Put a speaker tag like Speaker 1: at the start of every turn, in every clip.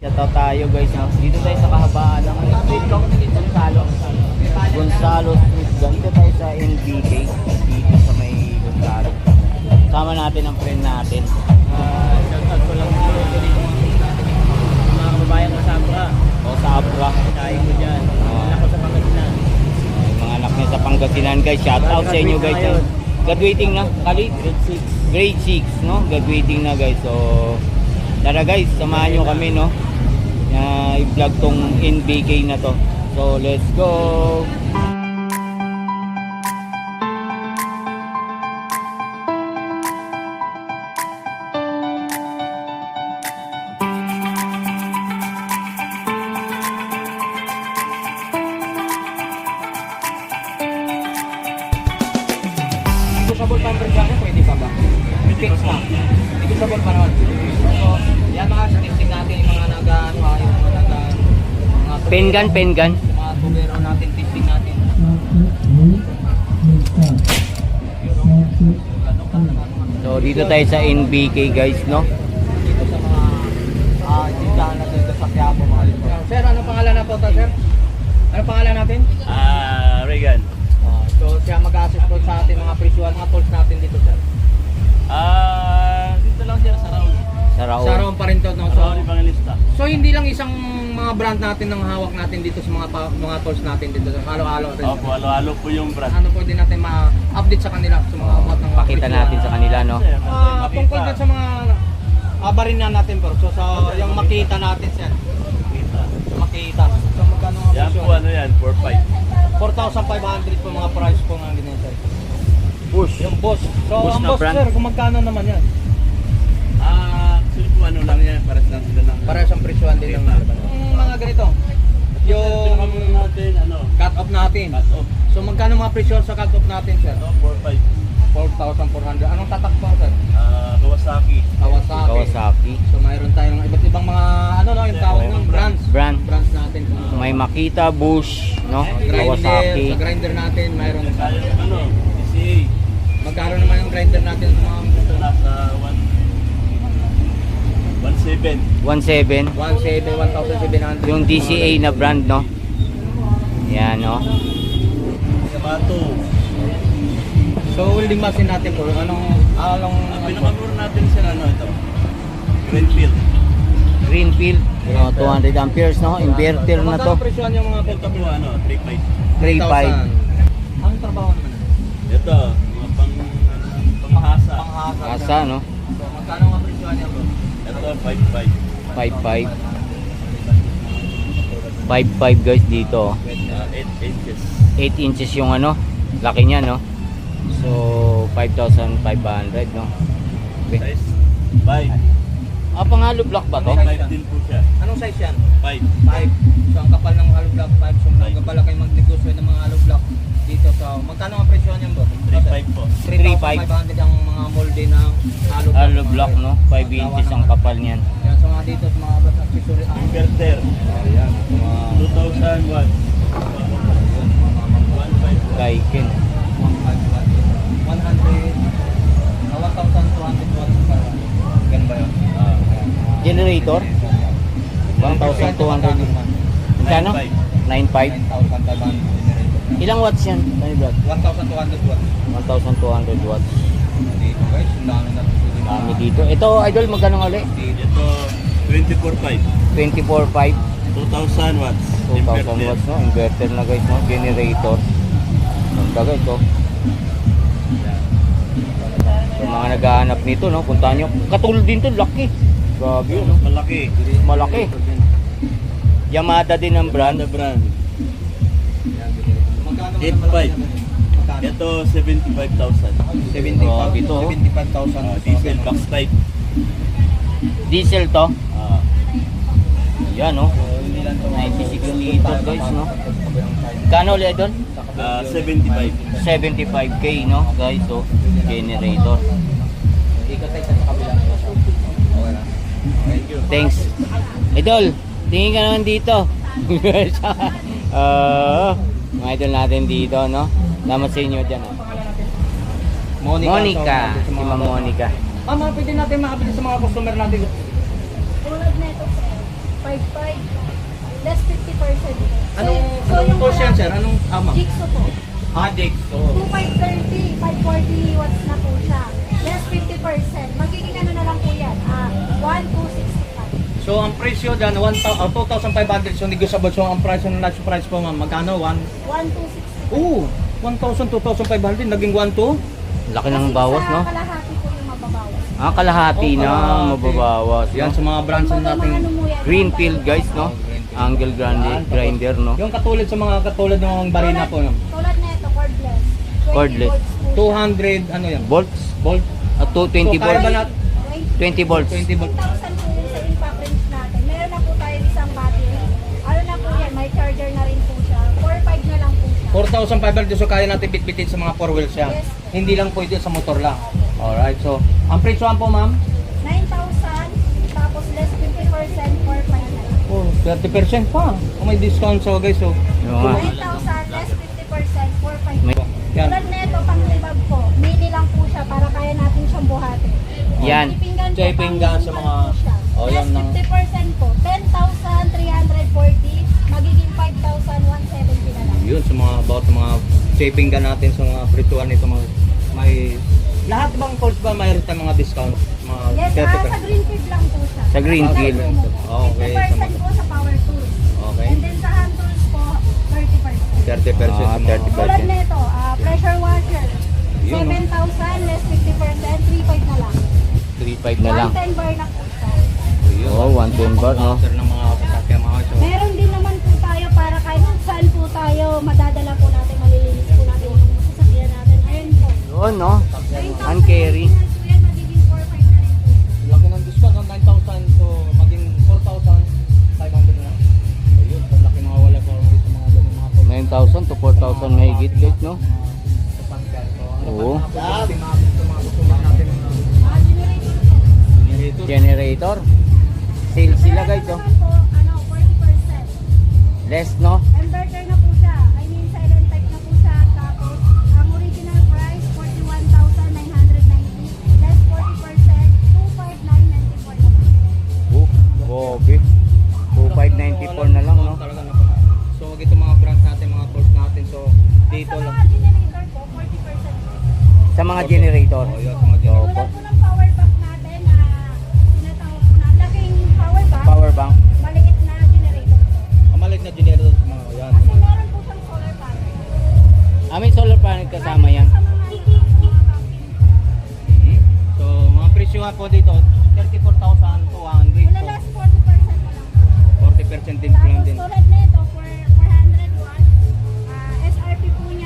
Speaker 1: Shoutout tayo guys. Dito tayo sa kahabaan ng Gonzalo Street. Dito tayo sa NBK. Dito sa may Gonzalo. Sama natin ang friend natin. Shoutout ko lang mga kababayan ko sa Abra. O sa Abra. Tayo ko dyan. Ako sa Pangasinan. Mga anak niya sa Pangasinan guys. Shoutout sa inyo guys. Graduating na. Kali? Grade 6 no? Graduating na guys. So tara guys, samahan nyo kami no. I-vlog tong NBK na to. So let's go.
Speaker 2: Negotiable pa ang presyo ko, pwede pa ba? Fix na. Negotiable pa naman. So, yan mga testing natin, yung mga nag-ano ha, yung mga
Speaker 1: Pengan.
Speaker 2: mga tubero natin, testing natin.
Speaker 1: So dito tayo sa NBK guys no.
Speaker 2: Dito sa mga tindahan natin dito sa Quiapo mga lito. Sir, ano pangalan na po to, sir? Ano pangalan natin?
Speaker 3: Regan.
Speaker 2: So, siya mag-assist po sa ating mga presyuhan, mga tools natin dito, sir.
Speaker 3: Dito lang siya sa Raul.
Speaker 1: Sa Raul.
Speaker 2: Sa Raon pa rin to, no?
Speaker 3: Sa Raul Evangelista.
Speaker 2: So, hindi lang isang mga brand natin ang hawak natin dito sa mga tools natin dito. Halo-halo rin.
Speaker 3: Opo, halo-halo po yung brand.
Speaker 2: Ano po din natin ma-update sa kanila sa mga about ng
Speaker 1: Pakita natin sa kanila no.
Speaker 2: tungkol din sa mga barin na natin bro. So sa yung makita natin sir. Makita. So magkano ang
Speaker 3: Yan
Speaker 2: presyo?
Speaker 3: po, ano yan, 4.5.
Speaker 2: 4,500 po mga price po ng ganyan sir.
Speaker 1: Push.
Speaker 2: Yung boss. So
Speaker 1: Boss
Speaker 2: ang
Speaker 1: na
Speaker 2: boss
Speaker 1: brand.
Speaker 2: sir, kung magkano naman yan?
Speaker 3: Actually po, ano lang yan, pares lang sila ng...
Speaker 2: Para sa presyuhan din ng mga ganito.
Speaker 3: Yung camera natin, ano,
Speaker 2: Cut off natin.
Speaker 3: cut off.
Speaker 2: So magkano mga presyo sa cut off natin sir?
Speaker 3: Ito, 4.5.
Speaker 2: 4,400. Anong tatak po sir?
Speaker 3: Kawasaki.
Speaker 1: Kawasaki.
Speaker 2: So mayroon tayong iba't ibang mga ano no, yung tawag ng brands. Brands natin.
Speaker 1: May Makita, Bush, no?
Speaker 2: Grinder,
Speaker 1: Kawasaki.
Speaker 2: sa grinder natin mayroon.
Speaker 3: Tayo, ano, DCA.
Speaker 2: Magkano naman yung grinder natin sa mga
Speaker 3: Ito nasa 1.7.
Speaker 1: 17.
Speaker 2: 1,700.
Speaker 1: Yung DCA na brand no. Yan no.
Speaker 3: Sabato.
Speaker 2: So welding machine natin po, anong
Speaker 3: Ang pinakamura natin sila, ano, ito. Greenfield.
Speaker 1: Greenfield, no, 200 amperes no. Inverter na to.
Speaker 2: Magkano presyohan yung mga
Speaker 3: Ito po, ano, 3.5.
Speaker 1: 3.5.
Speaker 2: Anong trabaho naman?
Speaker 3: Ito, mga panghasa.
Speaker 2: Panghasa.
Speaker 1: Asa no.
Speaker 2: So magkano ang presyohan niya bro?
Speaker 3: Ito, 5.5.
Speaker 1: 5.5 guys dito.
Speaker 3: 8 inches.
Speaker 1: 8 inches yung ano, laki niya no. So 5,500 no. Okay.
Speaker 3: Size 5.
Speaker 1: Pang hollow block ba to?
Speaker 3: 5 din po siya.
Speaker 2: Anong size yan?
Speaker 3: 5.
Speaker 2: 5. So ang kapal ng hollow block 5. So magkabala kayo magnegosyo ng mga hollow block dito. So magkano ang presyohan niyan bro?
Speaker 3: 3.5 po.
Speaker 2: 3,500 ang mga molde ng hollow block.
Speaker 1: Hollow block no, 5 inches ang kapal niyan.
Speaker 2: Yan, so mga dito sa mga accessory.
Speaker 3: Inverter.
Speaker 2: Ayan, mga
Speaker 3: 2,000 watts. 1.5.
Speaker 1: Daikin.
Speaker 2: 1,200 watts pa. Ganun ba yun?
Speaker 1: Generator 1,200. Magkano? 9.5.
Speaker 2: 9,500
Speaker 1: Ilang watts yan? Ano brad?
Speaker 2: 1,200 watts.
Speaker 1: 1,200 watts.
Speaker 2: Dito guys, ang dami na ito.
Speaker 1: Dami dito. Ito idol magkano nga ulit?
Speaker 3: Ito, 24.5.
Speaker 1: 24.5.
Speaker 3: 2,000 watts.
Speaker 1: 2,000 watts no. Inverter na guys no. Generator. Ganda guys oh. So mga naghahanap nito no. Puntahan nyo. Katulad din to. Laki. Grabe yun no.
Speaker 3: Malaki.
Speaker 1: Malaki. Yamada din ang brand.
Speaker 3: Brand. 8.5. Ito, 75,000.
Speaker 2: 75,000.
Speaker 1: Oh, dito, oh.
Speaker 2: 75,000.
Speaker 3: Diesel box type.
Speaker 1: Diesel to. Yan no.
Speaker 2: So, hindi lang ito.
Speaker 1: 96 liters guys no. Kano ulit doon?
Speaker 3: 75.
Speaker 1: 75k no guys so generator.
Speaker 2: Ikot tayo sa kabila. Okay na.
Speaker 3: Thank you.
Speaker 1: Thanks. Idol, tingin ka naman dito. Mga idol natin dito no. Salamat sa inyo dyan. Monica. Si Ma'am Monica.
Speaker 2: Ma'am, pwede natin makabili sa mga customer natin.
Speaker 4: 5.5. Less 50%.
Speaker 3: Anong course yan, sir? Anong ama?
Speaker 4: Jigsaw po.
Speaker 3: Addict. So,
Speaker 4: 2530, 540 watts na po siya. Less 50%. Magiging ano na lang po yan. 1,265.
Speaker 3: so ang presyo dyan, 2,500. So, negotiable. So, ang price ng last price po, ma'am, magkano?
Speaker 4: 1,265.
Speaker 3: Oo, 1,000, 2,500. Naging 1,200.
Speaker 1: Laki ng bawas, no?
Speaker 4: Kasi sa kalahati po yung mababawas.
Speaker 1: Kalahati
Speaker 3: Oh,
Speaker 1: na
Speaker 3: kalahati.
Speaker 1: mababawas.
Speaker 3: Yan,
Speaker 1: No?
Speaker 3: sa mga brands na natin.
Speaker 1: Greenfield guys, no? Angle grinder, no?
Speaker 3: Yung katulad sa mga katulad ng barina po, ma'am.
Speaker 4: Tulad na ito, cordless. 20
Speaker 1: Cordless.
Speaker 4: volts po.
Speaker 3: 200, ano yan?
Speaker 1: Volts?
Speaker 3: Volt.
Speaker 1: At 220
Speaker 3: So, kaya ba
Speaker 1: volts?
Speaker 3: lahat?
Speaker 1: 20 volts.
Speaker 3: 20 volts.
Speaker 4: 10,000 po yun sa impact range natin. Meron na po tayo isang battery. Ano na po yan, may charger na rin po siya. 4.5 na lang po siya.
Speaker 3: 4,500 so kaya natin bitbitin sa mga 4 wheels yan.
Speaker 4: Yes.
Speaker 3: Hindi lang pwede sa motor lang. Alright, so ang presyohan po ma'am?
Speaker 4: 9,000, tapos less 50%, 4.5 na lang.
Speaker 3: Oh, 30% pa. Oh, may discount so guys. So,
Speaker 1: Yung nga.
Speaker 4: 9,000, less 50%, 4.5
Speaker 1: May-
Speaker 4: po.
Speaker 3: Yan.
Speaker 4: Tulad na ito, pang libag po. Mini lang po siya para kaya natin siyang buhatin.
Speaker 1: Yan.
Speaker 4: Pipinggan po,
Speaker 3: Pipinggan sa
Speaker 4: pang
Speaker 3: mga-
Speaker 4: po siya.
Speaker 3: Oh,
Speaker 4: Less
Speaker 3: yan ng-
Speaker 4: 50% po. 10,340, magiging 5,170 na lang.
Speaker 3: yun sa mga about sa mga shaping gun natin sa mga presyohan nito mga may lahat bang calls ba mayroon tayong mga discount? Mga
Speaker 4: Yes,
Speaker 3: 30%.
Speaker 4: sa Greenfield lang po siya.
Speaker 1: Sa Greenfield.
Speaker 3: Okay,
Speaker 4: 50% po sa power tools.
Speaker 3: Okay.
Speaker 4: And then sa hand tools po, 30%.
Speaker 3: 30% sa mga
Speaker 1: 30%.
Speaker 4: Tulad nito, pressure washer.
Speaker 3: Yun, no?
Speaker 4: 7,000 less 50%, 3.5 na lang.
Speaker 1: 3.5 na lang.
Speaker 4: 110 bar na po siya.
Speaker 3: Yun.
Speaker 1: Oh, 110 bar, no?
Speaker 3: After ng mga sasakyan mga so,
Speaker 4: Meron din naman po tayo para kahit saan po tayo, madadala po natin, malilinis po natin yung sasakyan natin. Ayun po.
Speaker 1: Yun, no?
Speaker 4: 9,000
Speaker 1: Hand carry.
Speaker 4: po yan, magiging 4.5 na rin po.
Speaker 3: laki ng discount ng 9,000 so maging 4,500 na lang. So yun, so laki mga wala po sa mga ganun mga calls.
Speaker 1: 9,000 to 4,000 mahigit guys, no?
Speaker 3: Sasakyan. So, ano
Speaker 1: Oo.
Speaker 3: pa mga gusto natin
Speaker 4: Generator po.
Speaker 3: generator.
Speaker 1: Generator. Sale sila guys,
Speaker 4: Meron
Speaker 1: oh.
Speaker 4: naman po, 40%.
Speaker 1: Less, no?
Speaker 4: Inverter na po siya. I mean, silent type na po siya. Tapos, ang original price, 41,990. Less 40%, 25,994 na po.
Speaker 1: Gobe. 2,594 na lang, no?
Speaker 3: Talaga na po. So ito mga brands natin, mga tools natin. So dito
Speaker 4: Sa
Speaker 3: lang.
Speaker 4: mga generator po, 40%.
Speaker 1: Sa mga generator.
Speaker 3: Oh, yun, sa mga generator.
Speaker 4: Tulad po ng power bank natin na tinatawag po na laking power bank,
Speaker 1: Power bank.
Speaker 4: maliit na generator po.
Speaker 3: Ang maliit na generator sa mga yan.
Speaker 4: Kasi meron po siyang solar panel.
Speaker 1: May solar panel kasama yan.
Speaker 4: Sa mga camping po.
Speaker 3: So mga presyo nga po dito, 34,200.
Speaker 4: Wala last 40% na lang po.
Speaker 3: 40% din po lang
Speaker 4: Tapos
Speaker 3: din.
Speaker 4: tulad nito, for 400 watts, SRP po niya,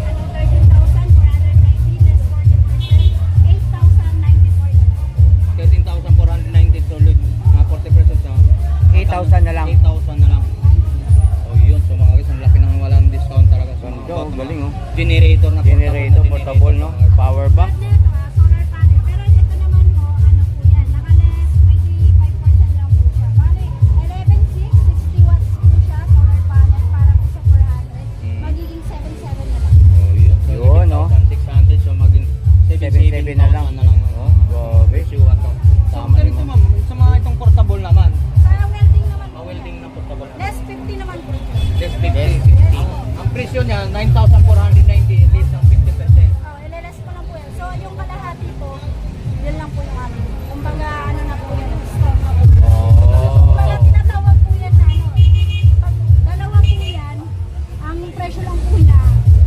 Speaker 4: 13,490 less 40%, 8,094 na lang.
Speaker 3: 13,490 solid. Mga 40% na.
Speaker 1: 8,000 na lang.
Speaker 3: 8,000 na lang. Oh yun, so mga guys, ang laki ng walang discount talaga sa mga
Speaker 1: Ganda,
Speaker 3: about
Speaker 1: galing,
Speaker 3: mga
Speaker 1: oh.
Speaker 3: Generator na
Speaker 1: Generator, portable, no? Power bank.
Speaker 4: Tulad nito, solar panel. Pero ito naman po, ano po yan, naka-less 25% lang po siya. Bali, 11,660 watts po siya, solar panel, para po sa 400. Magiging 77 na lang.
Speaker 3: Oh yun. So,
Speaker 1: Yun, no?
Speaker 3: 600 so maging
Speaker 1: 77 na lang.
Speaker 3: na lang.
Speaker 1: Oh, grabe.
Speaker 3: Presyo ato. So
Speaker 1: Tama
Speaker 3: ganito
Speaker 1: naman.
Speaker 3: ma'am, sa mga itong portable naman,
Speaker 4: Sa welding naman po,
Speaker 3: welding na portable.
Speaker 4: less 50 naman po.
Speaker 3: Less 50.
Speaker 1: Less
Speaker 3: Ang presyo niya 9,490 less ng 50%.
Speaker 4: Oh, LLS ko lang po yan. So, yung kalahati po, yun lang po yung amin. Kumbaga, ano na po yan, discount na po.
Speaker 1: Oh.
Speaker 4: Kumbaga, tinatawag po yan na ano, pag dalawa po yan, ang presyo lang po niya,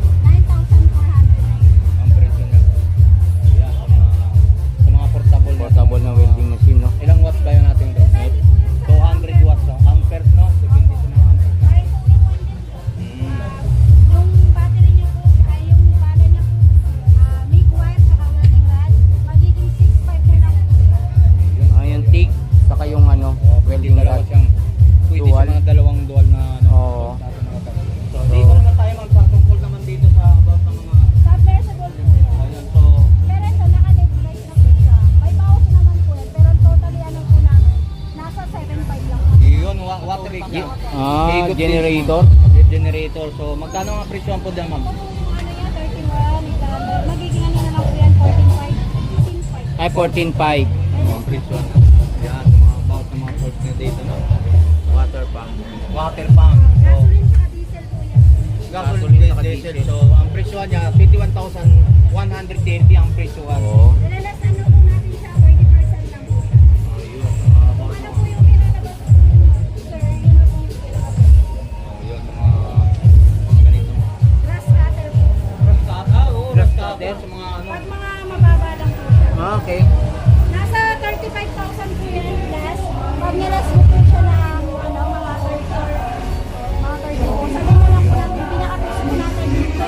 Speaker 4: 9,490.
Speaker 3: Ang presyo niya. Yan, sa mga portable.
Speaker 1: Portable na welding machine, no?
Speaker 3: Ilang watts ba yun natin doon?
Speaker 4: Depende po yun sa
Speaker 3: 200 watts. So, amperes no? Depende sa mga amperes.
Speaker 4: Kahit po yung one din po. Yung battery niyo po, ay yung pala niya po, make wire sa welding rod, magiging 6.5 na lang po.
Speaker 1: Ah, yung TIG, saka yung ano, welding
Speaker 3: Dalawa
Speaker 1: rod.
Speaker 3: siyang pwede
Speaker 1: Dual.
Speaker 3: sa mga dalawang dual na ano.
Speaker 1: Oo.
Speaker 3: So, dito naman tayo magpatungkol naman dito sa about ng mga
Speaker 4: Submersible po yan.
Speaker 3: ayun. So,
Speaker 4: Pero ito, naka-LED light na po siya. May bawas naman po yan. Pero totally ano po namin, nasa 7.5 lang po.
Speaker 3: yun, water rig niya. Ikot din.
Speaker 1: Generator.
Speaker 3: Generator. So, magkano ang presyo po dyan, ma'am?
Speaker 4: Ito po yung ano yan, 31, 800. Magiging ano na lang po yan, 14.5. 15.5.
Speaker 1: Ay, 14.5.
Speaker 3: Ang presyo. Yan, sa mga about ng mga parts niya dito. No? water pump. So,
Speaker 4: Gasoline sa diesel po yan.
Speaker 3: gasoline at diesel. So, ang presyo niya, 21,130 ang presyo.
Speaker 1: Oo.
Speaker 4: Nilalas ano po natin siya, 30% lang po siya. Kung ano po yung pinalabas ko, sir, yun na po yung pinalabas.
Speaker 3: Yun, mga ganito.
Speaker 4: Grass cutter po.
Speaker 3: Grass cutter, sa mga ano.
Speaker 4: Pag mga mababa lang po siya.
Speaker 3: Okay.
Speaker 4: Nasa 35,000 po yan plus. Pag nilas mo po siya ng ano, mga 30 or mga 30 po. Sabi mo lang po natin, pinaka-price po natin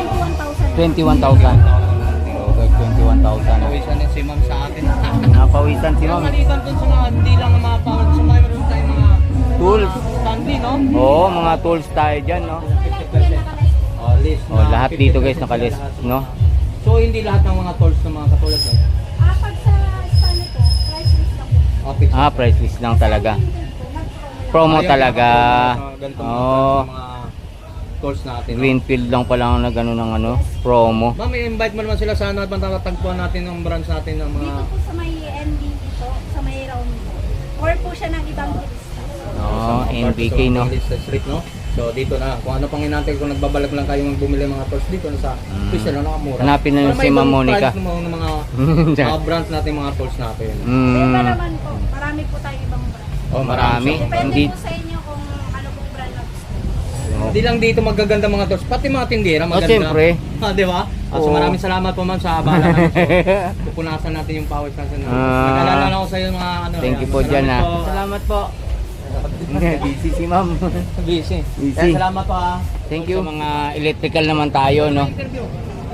Speaker 4: 21,000.
Speaker 1: 21,000. So guys, 21,000.
Speaker 3: Nawisan din si ma'am sa atin.
Speaker 1: Napawisan si ma'am.
Speaker 3: Malitan dun sa mga, hindi lang ang mga power, sa mga meron tayong mga
Speaker 1: Tools.
Speaker 3: Stanley, no?
Speaker 1: Oo, mga tools tayo dyan, no?
Speaker 3: 50%. Oh, list
Speaker 1: Oh,
Speaker 3: na
Speaker 1: lahat dito guys
Speaker 3: 50%
Speaker 1: nakalist,
Speaker 3: lahat.
Speaker 1: no?
Speaker 3: So, hindi lahat ng mga tools na mga katulad nun.
Speaker 4: Pag sa Spano po, price list lang po.
Speaker 3: Okay.
Speaker 1: Ah, price list lang talaga. Promo talaga. Oh,
Speaker 3: Mga tools natin. no?
Speaker 1: Greenfield lang pala ang nagano ng ano, promo.
Speaker 3: Ma'am, i-invite mo naman sila sa ano, tagpuan natin ng branch natin ng mga...
Speaker 4: Dito po sa may MD dito, sa may round po. Or po siya ng ibang turista.
Speaker 1: Oh, NBK, no?
Speaker 3: Sa street, no? So, dito na. Kung ano pang inantay, kung nagbabalak lang kayo bumili mga tools dito na sa Pisa lang, nakamura.
Speaker 1: Hanapin na
Speaker 3: Para
Speaker 1: si
Speaker 3: may
Speaker 1: Ma'am
Speaker 3: ibang
Speaker 1: Monica.
Speaker 3: price ng mga branch natin, mga tools natin.
Speaker 4: Iba
Speaker 1: Mm,
Speaker 4: naman po, marami po tayong ibang brand.
Speaker 3: Oh,
Speaker 1: marami.
Speaker 4: Depende
Speaker 1: Hindi,
Speaker 4: po sa inyo kung ano pong brand na gusto.
Speaker 3: Hindi lang dito magaganda mga tools, pati mga tindera maganda.
Speaker 1: siyempre.
Speaker 3: Di ba? So
Speaker 1: Oo.
Speaker 3: maraming salamat po ma'am sa abala namin. So, pupunasan natin yung pawis natin. Nag-alala na ako sa iyo mga ano.
Speaker 1: Thank you
Speaker 3: yan.
Speaker 1: po dyan,
Speaker 3: Salamat
Speaker 1: ah.
Speaker 3: po. Salamat po.
Speaker 1: busy si ma'am.
Speaker 3: Busy.
Speaker 1: Busy.
Speaker 3: Yan, salamat po ah.
Speaker 1: Thank you. Sa mga electrical naman tayo, no?
Speaker 3: Interview.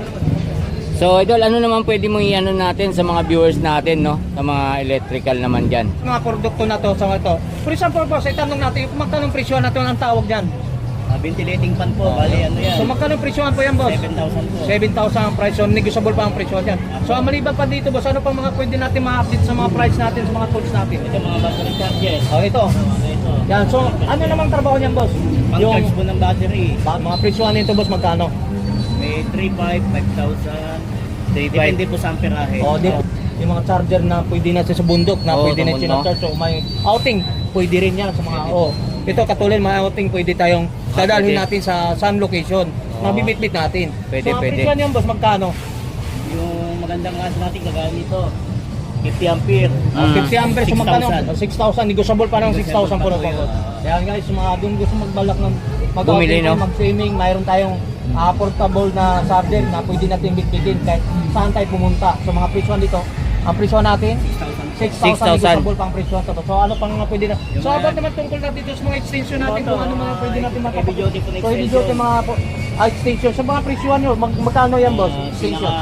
Speaker 1: So, idol, ano naman pwede mong i-ano natin sa mga viewers natin, no? Sa mga electrical naman dyan.
Speaker 3: Mga produkto na to sa ito. For example po, sa itanong natin, kung magkano presyo natin ang tawag dyan?
Speaker 2: Ventilating fan po, bali ano yan.
Speaker 3: So magkano presyohan po yan, boss?
Speaker 2: 7,000 po.
Speaker 3: 7,000 ang price. So negotiable pa ang presyo dyan. So maliban pa dito, boss, ano pa mga pwede natin ma-update sa mga price natin, sa mga tools natin?
Speaker 2: Ito mga battery charges.
Speaker 3: Oh, ito.
Speaker 2: Ito.
Speaker 3: Yan. So ano namang trabaho niyan, boss?
Speaker 2: Pang-charge po ng battery.
Speaker 3: Mga presyohan nito, boss, magkano?
Speaker 2: May 3,500, 5,000. Depende po sa amperahe.
Speaker 3: Oh, di yung mga charger na pwede na sa bundok, na
Speaker 1: Oo,
Speaker 3: pwede
Speaker 1: sa
Speaker 3: na
Speaker 1: bundok.
Speaker 3: sinacharge. So may outing, pwede rin yan sa mga, ito katulad mga outing, pwede tayong dadalhin
Speaker 1: pwede.
Speaker 3: natin sa sun location. Mabibitbit natin.
Speaker 2: Pwede,
Speaker 3: so, ang
Speaker 2: pwede.
Speaker 3: presyohan yan, boss, magkano?
Speaker 2: Yung magandang gas natin kagaya nito, 50 ampere.
Speaker 3: 50 amperes, so magkano?
Speaker 2: 6,000.
Speaker 3: 6,000, negotiable pa ng 6,000 po
Speaker 2: Negotiable
Speaker 3: na
Speaker 2: pa po
Speaker 3: po.
Speaker 2: yun.
Speaker 3: Kaya guys, mga doon gusto magbalak ng
Speaker 1: Bumili, no?
Speaker 3: mag-swimming, mayroon tayong portable na charger na pwede natin bitbitin kahit saan tayo pumunta. So mga presyon dito, ang presyon natin, 6,000 negotiable pang presyon to. So ano pang mga pwede na? So about naman tungkol natin dito sa mga extension natin, kung ano mga pwede natin
Speaker 2: Heavy duty po na
Speaker 3: So heavy duty mga extension. So mga presyon nyo, magkano yan, boss? Extension.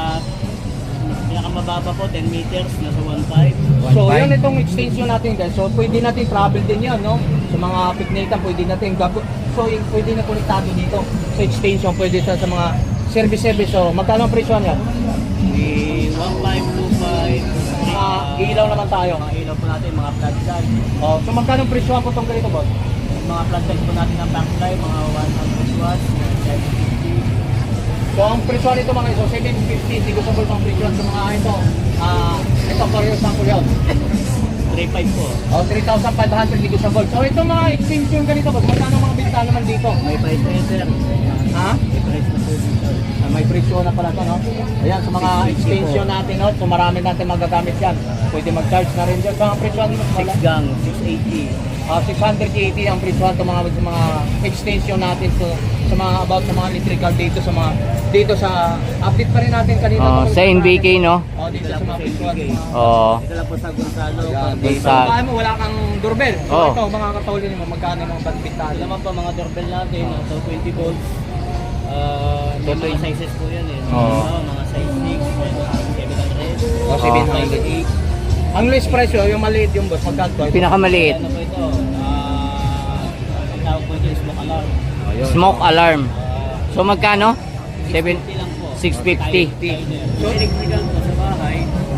Speaker 2: Pinakamababa po, 10 meters, nasa 1,500.
Speaker 3: So, yan itong extension natin guys. So, pwede natin travel din yan, no? Sa mga piknikan, pwede natin So, pwede na konektado dito. Sa extension, pwede sa mga service. So, magkano ang presyo niya?
Speaker 2: May 1,525.
Speaker 3: Mga ilaw naman tayo.
Speaker 2: Mga ilaw po natin, mga floodlight.
Speaker 3: Oh, so, magkano ang presyo po itong ganito, boss?
Speaker 2: Mga floodlight po natin ng backlight, mga 100 watts, 750.
Speaker 3: So, ang presyo nito mga iso, 750. Negotiable pang presyo sa mga ito. Ito, for example yun.
Speaker 2: 3,500 po.
Speaker 3: Oh, 3,500 negotiable. So, ito mga extension ganito, boss. Magkano mga benta naman dito?
Speaker 2: May price na yun, sir.
Speaker 3: Ha?
Speaker 2: May price na po dito.
Speaker 3: May presyo na pala to, no? Ayan, sa mga extension natin, no? So marami natin magagamit yan. Pwede mag-charge na rin dyan. So ang presyo nito,
Speaker 2: 6 gang, 680.
Speaker 3: 680 ang presyo sa mga extension natin. So, sa mga about sa mga electrical dito sa update pa rin natin kanina.
Speaker 1: Oh, sa NBK, no?
Speaker 3: Oh, dito sa mga presyo.
Speaker 1: Oh,
Speaker 2: Ito lang po sa Gonzalo.
Speaker 1: Gonzalo.
Speaker 3: So, kaya mo wala kang doorbell. So
Speaker 1: Oh.
Speaker 3: ito, mga katulad mo, magkano yung mga bandbintahan?
Speaker 2: Alam po mga doorbell natin, so 20 volts. May mga sizes po yan eh.
Speaker 1: Oo.
Speaker 2: Mga size 6, may mga 700.
Speaker 3: O, 700. Ang list presyo, yung maliit yung boss, magkano?
Speaker 1: pinakamaliit.
Speaker 2: Ano po ito? Ang tawag po ito is smoke alarm.
Speaker 1: Smoke alarm. So magkano?
Speaker 2: 650 lang po.
Speaker 1: 650.
Speaker 2: So, electrical po sa bahay,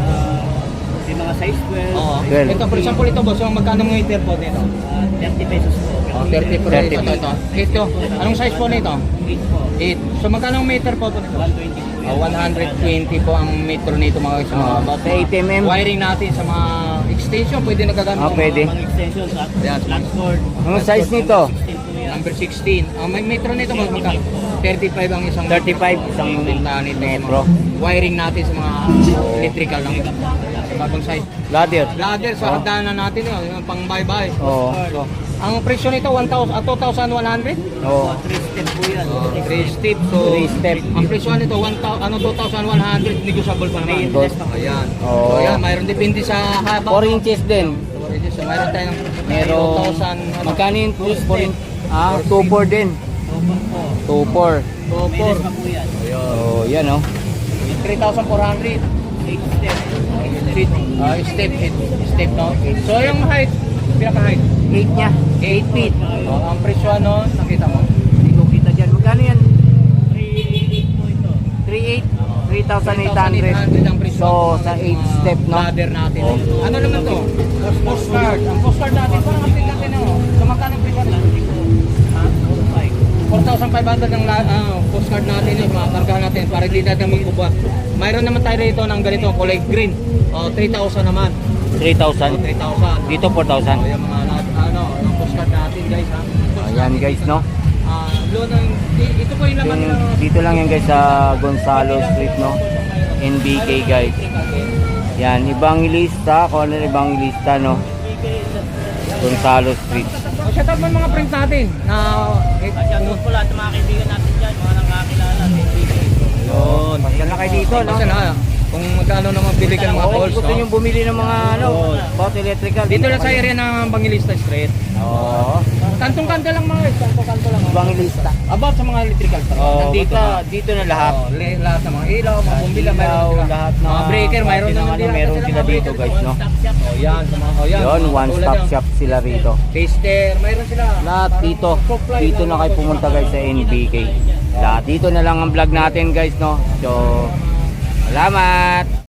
Speaker 2: may mga size 12.
Speaker 3: Oo.
Speaker 1: Well.
Speaker 3: Ito, for example, ito boss, yung magkano ng meter po dito?
Speaker 2: 30 pesos po.
Speaker 3: Oh, 30 per
Speaker 1: 30.
Speaker 3: ito. Ito, anong size po nito?
Speaker 2: 8 po.
Speaker 3: 8. So magkano ang meter po ito?
Speaker 2: 120 po.
Speaker 3: 120 po ang metro nito mga guys.
Speaker 1: About 8 mm.
Speaker 3: Wiring natin sa mga extension, pwede nagagamit.
Speaker 1: Ah,
Speaker 3: sa
Speaker 1: pwede.
Speaker 2: Mga extensions at
Speaker 3: Ayan.
Speaker 2: flat cord.
Speaker 1: Ang size nito?
Speaker 2: 16 po yan. number 16. May metro nito magka 35 ang isang
Speaker 1: 35 isang
Speaker 2: benta nito.
Speaker 1: metro.
Speaker 2: Wiring natin sa mga electrical lang. Bagong size.
Speaker 1: Ladder.
Speaker 2: Ladder sa hagdanan natin yun, yung pang bye-bye.
Speaker 1: Oo.
Speaker 2: So, ang presyo nito 2,100.
Speaker 1: Oo.
Speaker 2: 3 step. So,
Speaker 1: 3 step.
Speaker 2: ang presyo nito 2,100 negotiable pa naman.
Speaker 1: Boss.
Speaker 2: Ayan.
Speaker 1: Oo.
Speaker 2: So, ayan, mayroon depende sa haba.
Speaker 1: 4 inches din.
Speaker 2: So, mayroon tayong
Speaker 1: Meron
Speaker 2: 2,000
Speaker 1: magkano yung 2.4 din. 2.4.
Speaker 2: So, 4.
Speaker 1: Oh, yan oh.
Speaker 2: 3,400. Step no. So yung height, pinaka-height
Speaker 1: 8 niya. 8 feet.
Speaker 2: ang presyo ano, nakita mo.
Speaker 1: Hindi ko kita dyan. Magkano yan? 3,800.
Speaker 2: ang presyo.
Speaker 1: So, sa 8 step, no?
Speaker 2: Ladder natin.
Speaker 1: Oh.
Speaker 2: Ano naman to? Postcard. Ang postcard natin, parang update natin oh. So magkano ang presyo nito? 4,500 ang postcard natin yung mga kargahan natin para hindi natin magbubuhat. Mayroon naman tayo rito ng ganito, kulay green. 3,000 naman.
Speaker 1: 3,000.
Speaker 2: 3,000.
Speaker 1: Dito 4,000.
Speaker 2: Yung mga ang postcard natin guys ha.
Speaker 1: Ayan guys, no?
Speaker 2: Ito po yung laman
Speaker 1: Yung,
Speaker 2: ng
Speaker 1: dito lang yan guys sa Gonzalo Street, no? NBK guys. Yan, Evangelista. Kung ano yung Evangelista, no? Gonzalo Street.
Speaker 2: shout out mo yung mga friends natin na
Speaker 3: Shoutout po lahat ng mga kaibigan natin dyan, mga nakakilala.
Speaker 1: Yun. Pasal na kayo dito, no?
Speaker 2: Kasi na, kung magkano naman bili ka ng mga
Speaker 1: Okay,
Speaker 2: calls,
Speaker 1: gusto nyo bumili ng mga ano, about electrical.
Speaker 2: dito lang sa area ng Bangilista Street.
Speaker 1: Oo.
Speaker 2: Kantong-kanto lang mga guys, kantong-kanto lang.
Speaker 1: Evangelista.
Speaker 2: About sa mga electrical stuff.
Speaker 1: Oo,
Speaker 2: Nandito
Speaker 1: basta
Speaker 2: na.
Speaker 1: dito na lahat.
Speaker 2: Lahat ng mga ilaw, mga bumbila,
Speaker 1: Ilaw,
Speaker 2: mayroon sila.
Speaker 1: lahat na
Speaker 2: mga breaker, mayroon
Speaker 1: klase ng
Speaker 2: naman
Speaker 1: ano,
Speaker 2: din.
Speaker 1: meron sila dito guys, no?
Speaker 2: Oh, yan, sa mga yan.
Speaker 1: Yun,
Speaker 2: mga
Speaker 1: one
Speaker 2: tulad
Speaker 1: stop
Speaker 2: yan.
Speaker 1: shop sila rito.
Speaker 2: Taster, mayroon sila.
Speaker 1: Lahat
Speaker 2: Parang
Speaker 1: dito.
Speaker 2: supply
Speaker 1: Dito
Speaker 2: ng
Speaker 1: na kayo
Speaker 2: mga
Speaker 1: pumunta guys sa NBK. Lahat dito na lang ang vlog natin guys, no? So, salamat!